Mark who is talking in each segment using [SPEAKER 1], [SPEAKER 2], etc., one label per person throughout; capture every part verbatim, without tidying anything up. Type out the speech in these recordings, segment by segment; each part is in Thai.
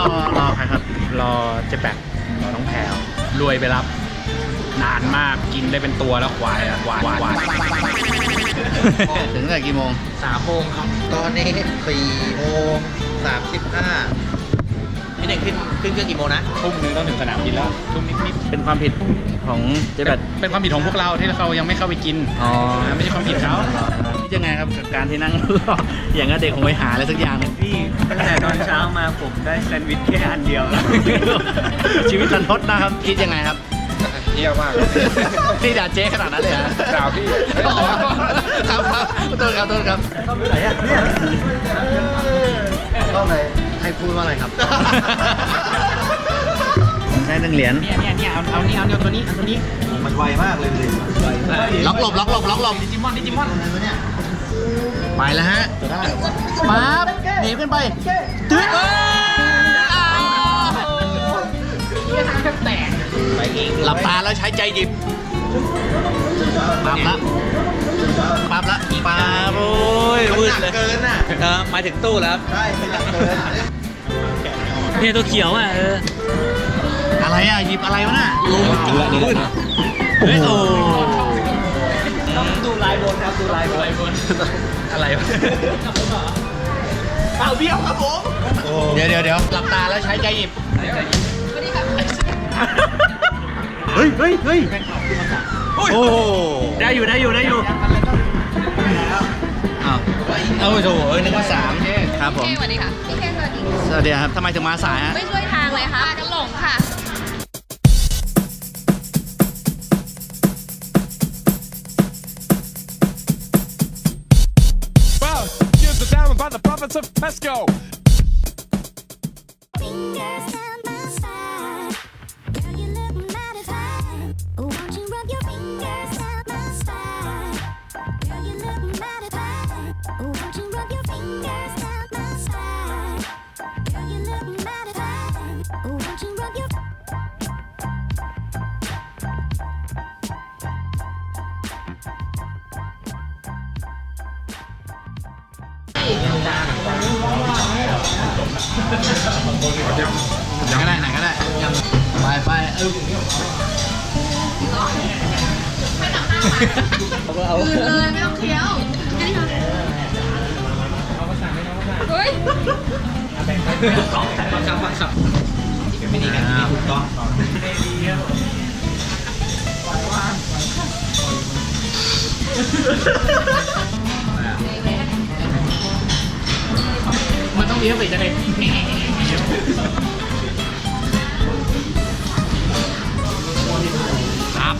[SPEAKER 1] อรอใครครับรอเจ๊แปกรอน้องแพรวรวยไปรับนานมากกินได้เป็นตัวแล้วควายอะควายควายถึงแต่กี่โมงสามโมงครับ
[SPEAKER 2] ตอนนี้สี่โมงสามสิบห้าพี่เด็กขึ้นขึ้นเครื่องกี่โมงนะ
[SPEAKER 1] ทุ่มนึงต้องถึงสนามบินแล้วทุ่มนิดๆเป็นความผิดของเจ๊แปกเป็นความผิดของพวกเราที่เขายังไม่เข้าไปกินอ๋อไม่ใช่ความผิดเขานี่ยังไงครับกับการที่นั่งรออย่างนั้นเด็กคงไปหาอะไรสักอย่าง
[SPEAKER 3] พี่ตั้งแต่ตอนเช้ามาผมได้แซนด์วิชแค่อันเดียว
[SPEAKER 1] ชีวิตรันทดนะครับคิดยังไงครับ
[SPEAKER 2] เยี่ยมมาก
[SPEAKER 1] พี่ด่าเจ๊ขนาดนั้นเลยฮะ
[SPEAKER 2] ด่าพี่
[SPEAKER 1] ครับครับต้นครับต้นครับ
[SPEAKER 2] เข้าไปไหนอ่ะเนี่ยเข้าไปให้พูดว่าอะไรครับ
[SPEAKER 1] ได้หนึ่งเหรียญ
[SPEAKER 3] เนี่ยเนี่ยเนี่ยเอาเอานี่เอาเนี่ยตัวนี้เอาตัวนี้
[SPEAKER 2] มันไวมากเลยเลย
[SPEAKER 1] ล็อกหลบล็อกหลบล็อกหลบ
[SPEAKER 3] ดิจิมอนดิจิมอน
[SPEAKER 1] ไปแล้วฮะปั๊บหนีขึ้นไปตึ๊ด
[SPEAKER 3] แตกไปอีก
[SPEAKER 1] หลับตาแล้วใช้ใจหยิบปั๊บละปั๊บละปั๊บโอ้ยมืดเลย
[SPEAKER 2] เกินอ่ะ
[SPEAKER 3] เออมาถึงตู้แล้ว
[SPEAKER 2] ใช่มันหนักเกิน
[SPEAKER 3] เนี่ยตัวเขียวอ่ะเออ
[SPEAKER 1] อะไรอ่ะหยิบอะไรวะน่ะ
[SPEAKER 3] ลงกินละนี่แหละ
[SPEAKER 1] เฮ้ยโอ้
[SPEAKER 3] ต้องดูลายบนครับดูลายบน
[SPEAKER 1] อะไรวะ
[SPEAKER 3] เอาเบี้ยวครับผม
[SPEAKER 1] เดี๋ยวเดี๋ยวเดี๋ยวหลับตาแล้วใช้ใจหยิบเฮ้ยเฮ้ยเฮ้ยโอ้
[SPEAKER 3] ได้อยู่ได้อยู่ได้อยู่
[SPEAKER 1] อ้าวเอาโถเอ้ยนึกว่าสามครับผม
[SPEAKER 4] สวัสดีค่ะพี่เคสวัสดี
[SPEAKER 1] สวัสดีครับทำไมถึงมาสายฮะ
[SPEAKER 4] ไม่ช่วยทางเลยค่ะกันหลงค่ะ
[SPEAKER 5] Well, here's the diamond by the prophets of Pesco.
[SPEAKER 6] Fingers down my spine, girl, you look mighty fine. Won't you rub your fingers down my spine, girl, you look mighty fine. Won't you rub your fingers down my spine, girl, you look mighty fine. Won't you rub your
[SPEAKER 1] ยังก็ได้ไหนก็ได้ไปไปเออ
[SPEAKER 4] เอาเลยไม่ต้องเคี้ยวนี่ค่ะเฮ้ย
[SPEAKER 3] สองแต่บังคับบังคับไม่ดีกันถูกต้อง
[SPEAKER 1] มันต้องเลี้ยวไปจะได้ครับ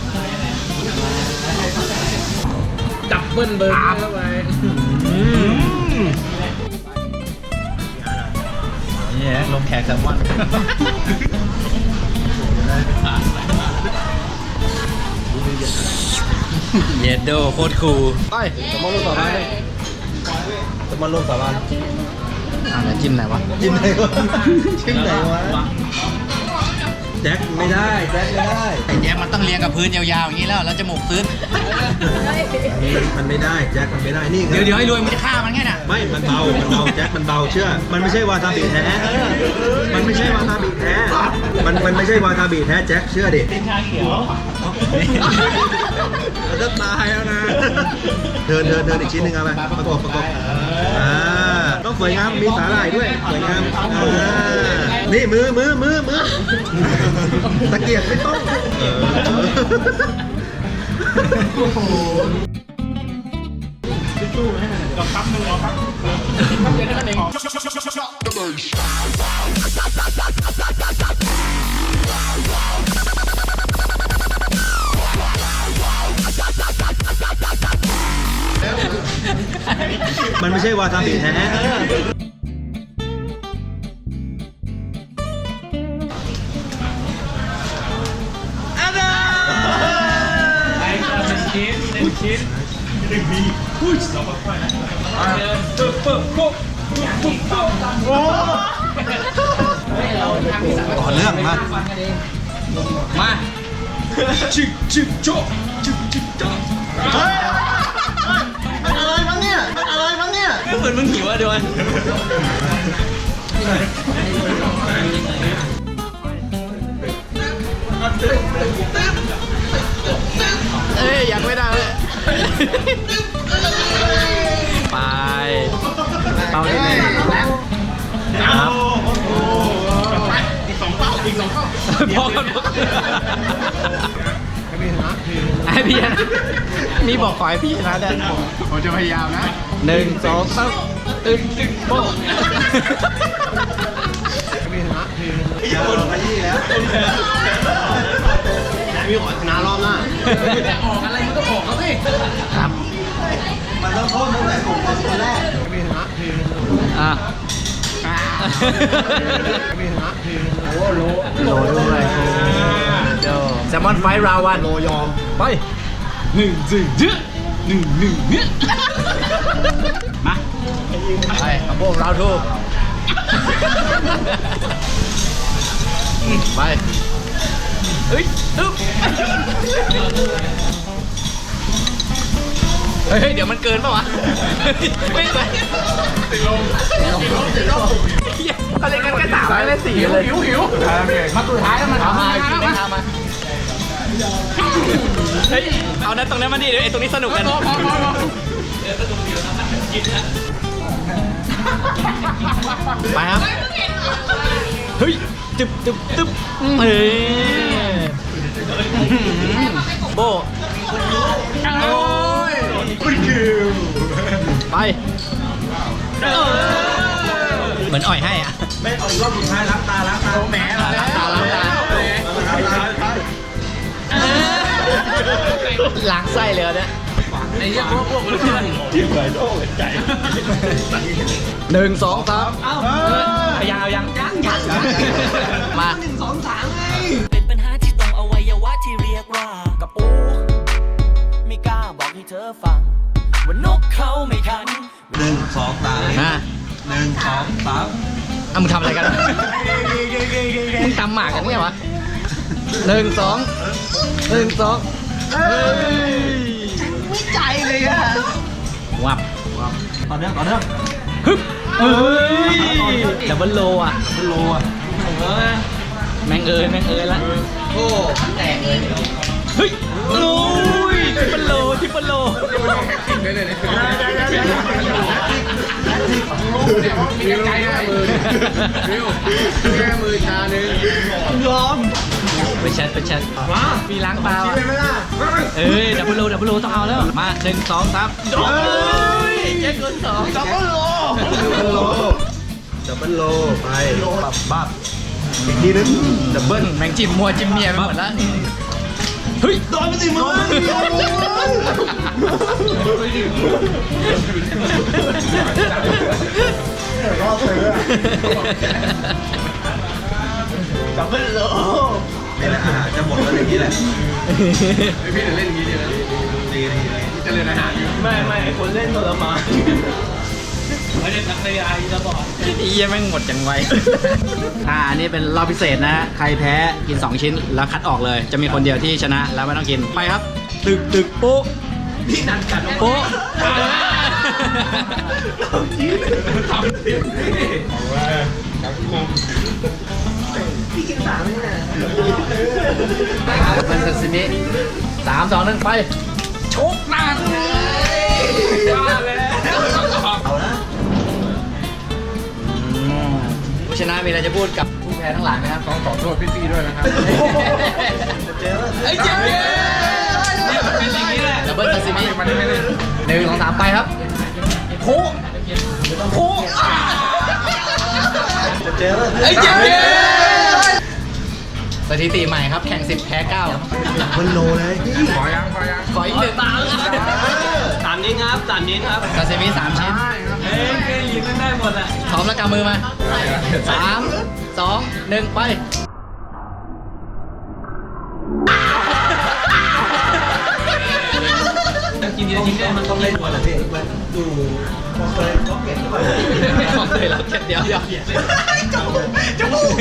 [SPEAKER 3] ดับเบิ้ลเบิร์นเข้าไป
[SPEAKER 1] นี่ลงแขกแซลมอนเยดโดโคตรคูล
[SPEAKER 2] ไปสมอนลงสาบานเลยสมอนลงสาบาน
[SPEAKER 1] อ่าแล้วจิ้มไหนวะ
[SPEAKER 2] จิ้มไหนวะจิ้มไหนวะแจ็คไม่ได้แจ็คไม่ได้
[SPEAKER 1] ไอ้แจ็คมันต้องเรียงกับพื้นยาวๆอย่างนี้แล้วแล้วจมูกซึ้ง
[SPEAKER 2] มันไม่ได้แจ็คมันไม่ได้นี่
[SPEAKER 1] เดี๋ยวเดี๋ยวให้รวยมันจะฆ่ามันไงน่ะ
[SPEAKER 2] ไม่มันเบามันเบาแจ็คมันเบาเชื่อมันไม่ใช่วาซาบิแท้มันไม่ใช่วาซาบิแท้มันมันไม่ใช่วาซาบิแท้แจ็คเชื่อดิ
[SPEAKER 3] เป็นชาเขียว
[SPEAKER 2] จะตายแล้วนะเดินเดินเดินอีกชิ้นหนึ่งเอาไปประกบประกบอ่าต้องสวยงามมีสาหร่ายด้วยสวยงามนี่มือมือมือมือตะเกียบไม่ต้อง
[SPEAKER 1] โอ้โห
[SPEAKER 5] กับคับหนึ่งเอาครับเดี๋ยวนั่นเอง
[SPEAKER 2] มันไม่ใช่วาซาบิแท้
[SPEAKER 5] ชิ้นหนึ่งชิ้นหนึ่งบีหุ้ยเราค่อยๆเดินปึ๊บปึ๊บปุ๊บปุ๊บปุ๊บโอ้
[SPEAKER 2] ต่อเรื่องมา
[SPEAKER 5] มาชิกชิกโจ๊กชิกชิกโจ๊ก
[SPEAKER 2] เฮ้ยมันอะไรมั้งเนี่ยมันอะไรมั้งเนี่ย
[SPEAKER 3] ก็เหมือนมึงหิวอ่ะด้วย
[SPEAKER 1] เอ้ยยังไม่ได้เลยไปเป้าที่หนึ่งครับอีกสองเป้าอีกสองเป้าพอกันให้พี่ชนะนี่บอกขอให้พี่ชนะได้ผมจะพยายามนะหนึ่งสองสามตึ้งโป๊ะ
[SPEAKER 2] อย่าโดนขยี้แล้วมีขอชนะรอบหน้า
[SPEAKER 1] ออกอะไรมันก็บอกเขาสิครับ
[SPEAKER 2] มันต้องโทษตั้งแต่ผมเป็นคนแรก
[SPEAKER 1] อ่ะโอ้โหโลด้วยโจแซลมอนไฟราวันโลยอมไปหนึ่งจึงจึ๊หนึ่งหนึ่งเนี่ยมาไปกับพวกเราทูไปเฮ้ยอึ๊บเฮ้ยเดี๋ยวมันเกินป่าวะไม่ไปติดลมติดลมติดลมเขาเล่นกันแค่สามไม่เล่นสี่เลยหิวหิวมาสุดท้ายแล้วมันทำมากินได้ทำมาเฮ้ยเอานั้นตรงนั้นมาดิไอ้ตรงนี้สนุกกันไปครับเฮ้ยจึ๊บจึ๊บจึ๊บเฮ้ยโบโอ้ยคุณคิวไปเหมือนอ่อยให้อ่ะไม่อ่อยรอบสุดท้ายล้างตาล้างตาแหมล้างตาล้างตาล้างไส้เลยเนี่ยไอ้เหี้ยพวกพวกมันที่ไหนโอ้ยใจหนึ่งสองสามเอ้ายังเอายังยังยังมาหนึ่งสองสามไง
[SPEAKER 7] เป็นปัญหาที่ตรงอวัยวะที่เรียกว่ากับปูไม่กล้าบอกให้เธอฟังว่านกเขาไม่คัน
[SPEAKER 2] หนึ่งสองสาม
[SPEAKER 1] อ่ะ
[SPEAKER 2] หนึ่งสองสาม
[SPEAKER 1] อ่ะมึงทำอะไรกันมึงตำหมากกันเนี่ยวะหนึ่งสองหนึ่งสองเฮ้ยไม่ใจเลยอ่ะวับ
[SPEAKER 2] ต่อเนื่องต่อเนื่อง
[SPEAKER 1] ฮึบเอ้ยดับเบิลโลอ่ะ
[SPEAKER 2] โลอ่ะ
[SPEAKER 1] แมงเอ้ยแมงเอ้ยละ
[SPEAKER 2] โอ้แตกเลย
[SPEAKER 1] เฮ้ยโอ้ยทริปเปิลโลทริปเปิลโลยอมไปแชทไปแชทว้ามีล้างตาเอ้ยดับเบิลโลดับเบิลโลต้องเอาแล้วมาหนึ่งสองสามโอ้ยแจ็คเกินสองดับเบิลโล
[SPEAKER 2] ดับเบิลโลไปบับบับอีกทีนึง
[SPEAKER 1] ดับเบิลแมงจิ้มมัวจิ้มเมียไปหมดแล้วเฮ้ยโดนไปสิมึงดับเบิลโล
[SPEAKER 2] นี่แหละอาหารจะหมดแล้วอย่างนี้แหละ
[SPEAKER 5] พี่จะเล่นอย่างนี้ดีนะ
[SPEAKER 2] ดีดีดี
[SPEAKER 5] จะเล่นอาหารอยู่
[SPEAKER 1] ไม่ไม่คนเล่นทรมาน
[SPEAKER 5] ไม่ได้นักเรียนจะบอก
[SPEAKER 1] อีเยี่ยแม่งหมดจังไว อ่าอันนี้เป็นรอบพิเศษนะ ใครแพ้กินสองชิ้นแล้วคัดออกเลย จะมีคนเดียวที่ชนะแล้วไม่ต้องกิน ไปครับ ตึกตึกโป๊ะพี่นันกันโป๊ะ
[SPEAKER 5] ทำสิครับคม
[SPEAKER 1] เป็นซาซิมิสามสองหนึ่งไปชกหนัก
[SPEAKER 5] ว่าแล้วเอานะ
[SPEAKER 1] ผู้ชนะมีอะไรจะพูดกับผู้แพ้ทั้งหลายไหมครับ
[SPEAKER 5] ต้องขอโทษพี่ๆด้วยนะครับ
[SPEAKER 1] ไอ้เจ๊เนี่ยมันเป็นอย่างนี้แหละดับเบิลซาซิมิหนึ่งสองสามไปครับโค้โค้ไอ้เจ๊สถิติใหม่ครับแข่งสิบแพ้เก้า
[SPEAKER 2] ดับเบิลโลเลย
[SPEAKER 5] ขอยังขอยัง
[SPEAKER 1] ขออีกหนึ่ง
[SPEAKER 7] สามนิ้นครับสามนิ้นครับ
[SPEAKER 1] ซาซิมิสามชิ้น
[SPEAKER 7] เอ้ยเคยยินได้หมดอ่ะ
[SPEAKER 1] พร้อมแล้วกำมือมาสามสองหนึ่งไป
[SPEAKER 7] กินเยอะจริงๆมันต้องเล่นหมดเลยพี่
[SPEAKER 2] ดูพอเคยเขาเก็บเข้าไป
[SPEAKER 1] ของเลยเราเดี๋ยวเดี๋ยวจมูก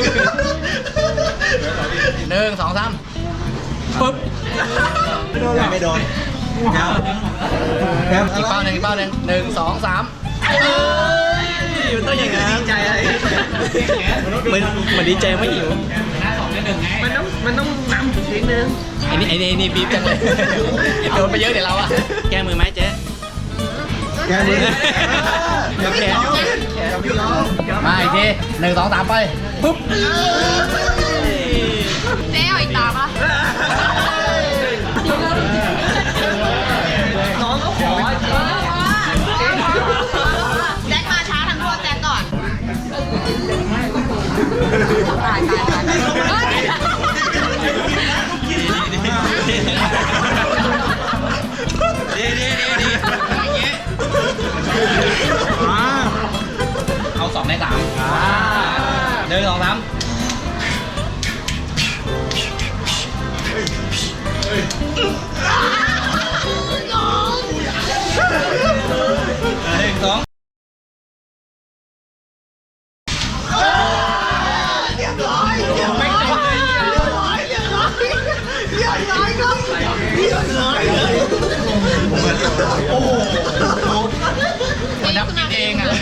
[SPEAKER 1] หนึ่งสองสามปึ๊บ
[SPEAKER 2] ไม่โดนแคม
[SPEAKER 1] อีกเป้าหนึ่งอีกเป้าหนึ่งหนึ่งสองสามเอ้ยมันต้องอย่างนั้นดีใจอะไรมันมันดีใจไม่หิว
[SPEAKER 3] หน้าสองหนึ่งไง
[SPEAKER 2] มันต้องมันต้องนำอีกนิดนึง
[SPEAKER 1] ไอ้นี่ไอ้นี่ไอ้นี่บีบจังเลยโดนไปเยอะเดี๋ยวเราอะแก้มือไหมเจ๊
[SPEAKER 2] แกมือ
[SPEAKER 1] เดี๋ยวแขนมาอีกทีหนึ่งสองสามไปปุ๊บ
[SPEAKER 4] เจ๊เอาอีกตาปะ
[SPEAKER 2] น้องก็ขอ
[SPEAKER 4] แจ็คมาช้าทั้งตัวแจ็คก่อนตายตายตายเฮ้ย
[SPEAKER 1] ดีดีดีดีอย่างเงี้ยเอาสองในสามหนึ่งสองสามหนึ่งสองมันนับกินเองอ่ะ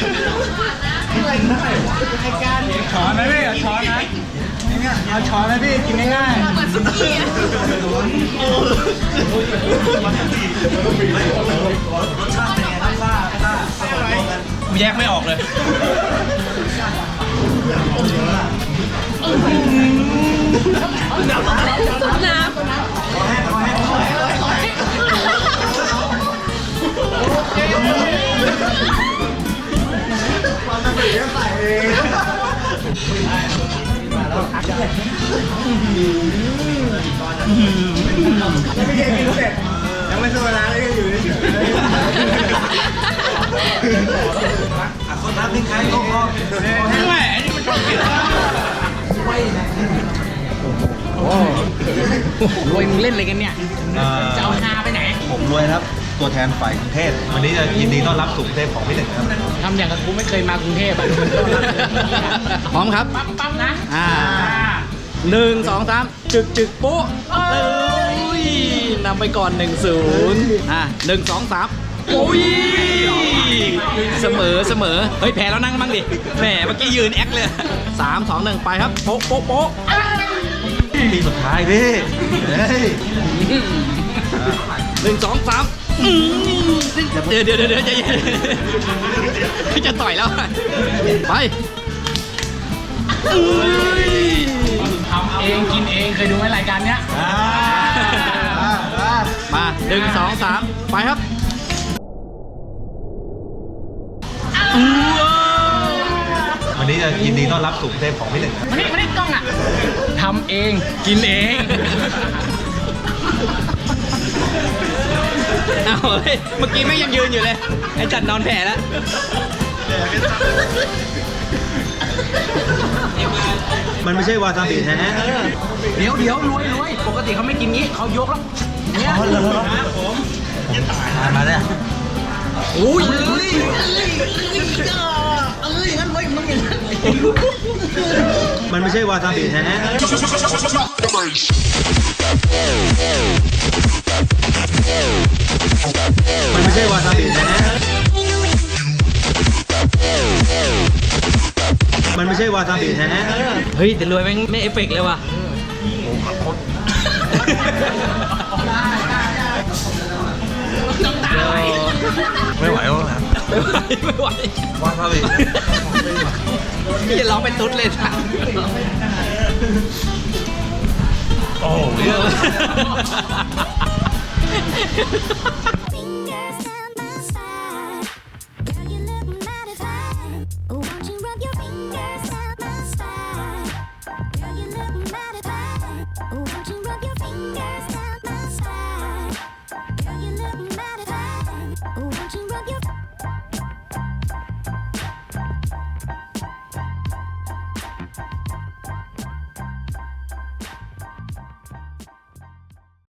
[SPEAKER 5] ช้อนไหมพี่เอาช้อนนะเนี่ยเอาช้อนไหมพี่กินง่าย
[SPEAKER 4] เหมือนสุกี้อะ
[SPEAKER 1] แยกไม่ออกเลย
[SPEAKER 4] น้
[SPEAKER 2] ยังไม่สู้ร้านเลยอยู่เฉยอ่ะคนรับทิ้งใครก็พอ
[SPEAKER 1] ไม่ไหวอันนี้มันชอบกินโอ้รวยมึงเล่นอะไรกันเนี่ย จะเอาฮาไปไหน
[SPEAKER 2] ผมรวยครับ ตัวแทนฝ่ายกรุงเทพวันนี้จะยินดีต้อนรับสู่กรุงเทพของพี่หนึ่งครับ
[SPEAKER 3] ทำอย่างกับกูไม่เคยมากรุงเทพอ่ะ
[SPEAKER 1] พร้อมครับ
[SPEAKER 3] ปั๊มปั๊มนะ
[SPEAKER 1] อ่าหนึ่งสองสามจึกจึกปุ๊เอ้ยนำไปก่อนหนึ่งศูนย์อ่าหนึ่งสองสามโอ้ยเสมอเสมอเฮ้ยแพ้แล้วนั่งบ้างดิแหมเมื่อกี้ยืนแอคเลยสามสองหนึ่งไปครับโป๊ะโป๊ะโป๊ะ
[SPEAKER 2] ปีสุดท้ายพี่เฮ้ย
[SPEAKER 1] หนึ่งสองสามอืมเดี๋ยวเดี๋ยวเดี๋ยวเดี๋ยวใจเย็นพี่จะต่อยแล้วไปอุ้ย
[SPEAKER 3] ทำเองกินเองเคยดูไหมรายการเนี้ย
[SPEAKER 2] อ่าอ่าอ่า
[SPEAKER 1] มาหนึ่งสองสามไปครับอู้ว้าว
[SPEAKER 2] วันนี้จะยินดีต้อนรับสู่กรุงเทพของพี่หนึ่งครับ
[SPEAKER 3] มานี่มานี่กล้องอ่ะทำเองกินเอง
[SPEAKER 1] เอาเฮ้ยเมื่อกี้ไม่ยังยืนอยู่เลยไอ้จัดนอนแผ่แล้ว
[SPEAKER 2] มันไม่ใช่วาซาบิแท้
[SPEAKER 3] เดี๋ยวเดี๋ยวรวยรวยปกติเขาไม่กินงี้เขายกแล้วเนี่ย
[SPEAKER 2] อ๋อเหรอมาเนี่ย
[SPEAKER 1] อุ้ย
[SPEAKER 2] มันไม่ใช่วาซาบิแท้มันไม่ใช่วาซาบิแท้มันไม่ใช่วาซาบิแท้
[SPEAKER 1] เฮ้ยแต่รวยแม่งไม่เอฟเฟกต์เลยว่ะไม่ไหวไม่ไหวไม่ไหว
[SPEAKER 2] วาซาบิ
[SPEAKER 1] พี่จะร้องเป็นตุ๊ดเลยนะ
[SPEAKER 2] โอ้โห